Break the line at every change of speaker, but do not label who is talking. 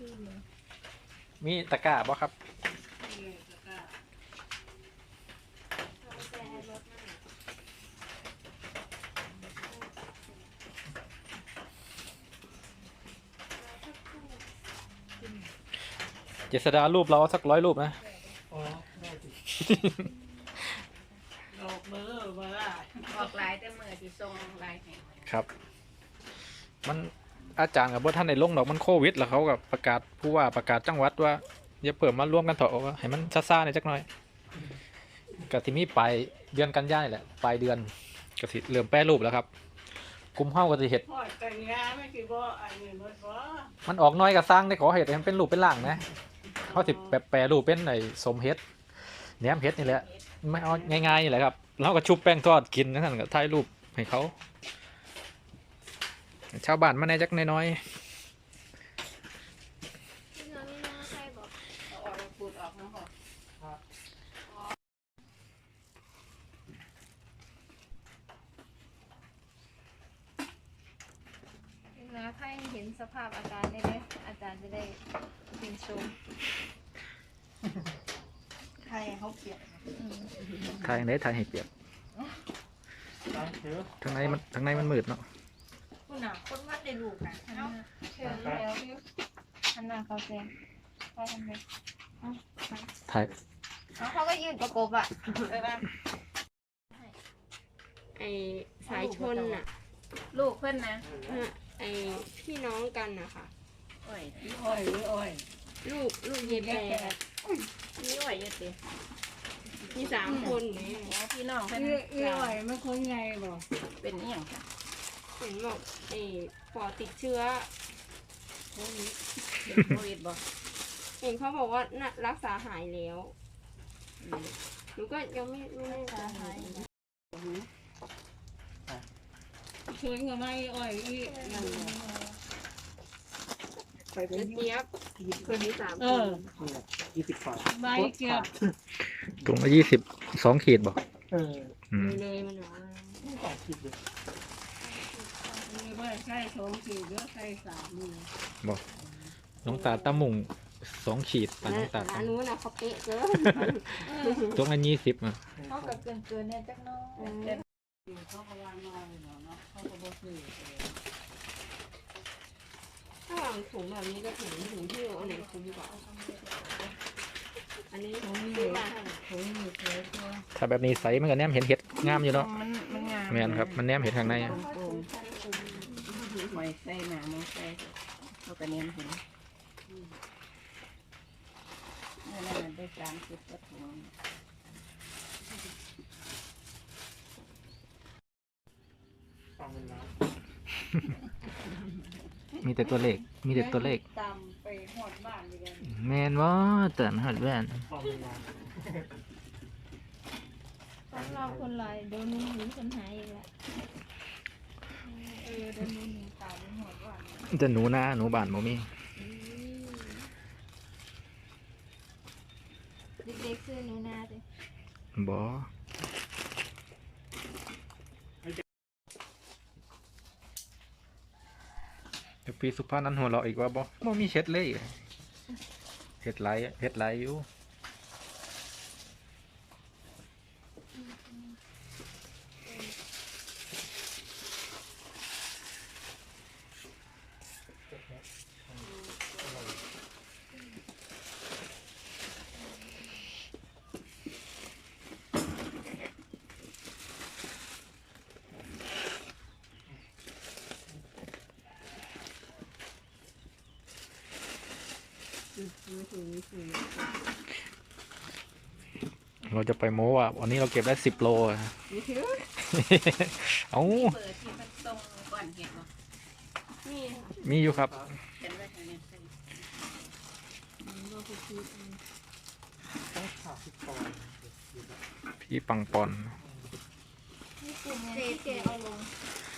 มีตะกร้าบ่ครับเจษดารูปเราสัก100 รูปนะ
อ๋อได้สิออกมือมาละ
ออกลายแต่มือที่ทรงลายแห่ง
ครับ มันอาจารย์กับท่านในลงดอกมันโควิดแล้วเขากับประกาศผู้ว่าประกาศจังหวัดว่าอย่าเปิดมาร่วมกันเถอะว่าให้มันซ่าๆหน่อยจักหน่อยก็ที่มีปลายเดือนกันยายนแหละปลายเดือนก็สิเริ่มแปรรูปแล้วครับกลุ่มเฮาก็สิเฮ็ด
หอดกันยาไม่กี่บ่อันนี้บ่บ่
มันออกน้อยก็สร้างได้ขอเฮ็ดให้มันเป็นรูปเป็นร่างนะเขาสิแปรรูปเป็นไอ้สมเฮ็ดแหนมเฮ็ดนี่แหละไม่เอาง่ายๆนี่แหละครับแล้วก็ชุบแป้งทอดกินนั่นก็ถ่ายรูปให้เขาชาวบ้านมาแน่จักน้อย
เอาออกแล้วปูดออกนะพ่อนะถ้าเห็นสภาพอาการได้ไหมอาจารย์จะได้ยินชม
ใครเขาเกลียด
ถ่ายไหนถ่ายให้เปียก
ตามเถอะ
ทางในมันมืดเนาะ
คุณน่ะคนวัดได้ลูกนะเนาะเชิญแล้วพี่อันน่ะเขาเซ็นไปทำไม
ถ่าย
เขาก็ยืนประกบอ่ะ
ไอสายชนน่ะ
ลูกเพื่อนนะ
ไอพี่น้องกันนะคะ
อ้ย
อ้อยหรืออ้อย
ลูกเยายแปร
นี่อ้อยเยอะสิ
มี3 คนไหม
แล้วพี่น้องเพื่อน
อ้อยมันคนไงบ่
เป็นนี่อย่างค่ะ
เห็นบอกไอปอดติดเชื้อ
เป็นโควิดบ่
เห็นเขาบอกว่าน่ะรักษาหายแล้วหนูก็ยังไม่แน่ใจ
ชวนกับไม่อ้อยอีนั่นไปเป็น
เจี๊ยบคนนี้3
เอ
คน
อ20 บาทไม่เกลียด
ถุงละ22 ขีดบ่
เออ
อืม
เลยมันบอกว่า
ไม่ต่อคิดเลยไม่ใช่2 ขีดหรือใช่3มือ
บ่น้องตาตะมุง2 ขีดปลาน้องตา
ร้านนู้นน่ะเขาเป๊ะเกิน
ถุงละ20อ่ะ
เขากับเกินเนี่ยจักน้อย
เขาก็วางมาเนาะเขาก็บ่ซื้อ
ถ้าวางถุงแบบนี้ก็ถุงที่เอาไหนคุ้มกว่าอันนี้
ผมมี
ซื้อมา
ผมมีเสื้อตัว
ถ้าแบบนี้ใสมันก็แนมเห็นเห็ดงามอยู่เนาะ
มันงาม
แม่นครับมันแนมเห็ดข้างในอะ
โป่งๆไว้ใส่หนามใส่เขาก็เนียนเห็นนั่นมันได้30กว่าถุง
ฟังเวลา
มีแต่ตัวเลขมีแต่ตัวเลข
ตามไปหอดบ้านดีกัน
แม่นบ่เตือนฮอดแว่น
ฟังเวลา
ต้องรอคนลอยโดนหนีคนหายอีกแล้วโดนหนีตายไปหมดว่า
จะหนูนาหนูบ้านบ่มี
เด็กๆซื้อหนูนาสิ
บ่เดี๋ยวปีสุภาพนั้นหัวเราะอีกว่าบ่มีเช็ดเลยเฮ็ดไหลอยู่เราจะไปโม้ว่าวันนี้เราเก็บได้10 โลอะ เอ้า
เปิดที่มันตรงก่อนเห็นบ่
นี่
มีอยู่ครับ
เห็นไว้ทางนี้
ต้องขาดสิบปอนด์
พี่ปังปอน
ที่แกเอาลง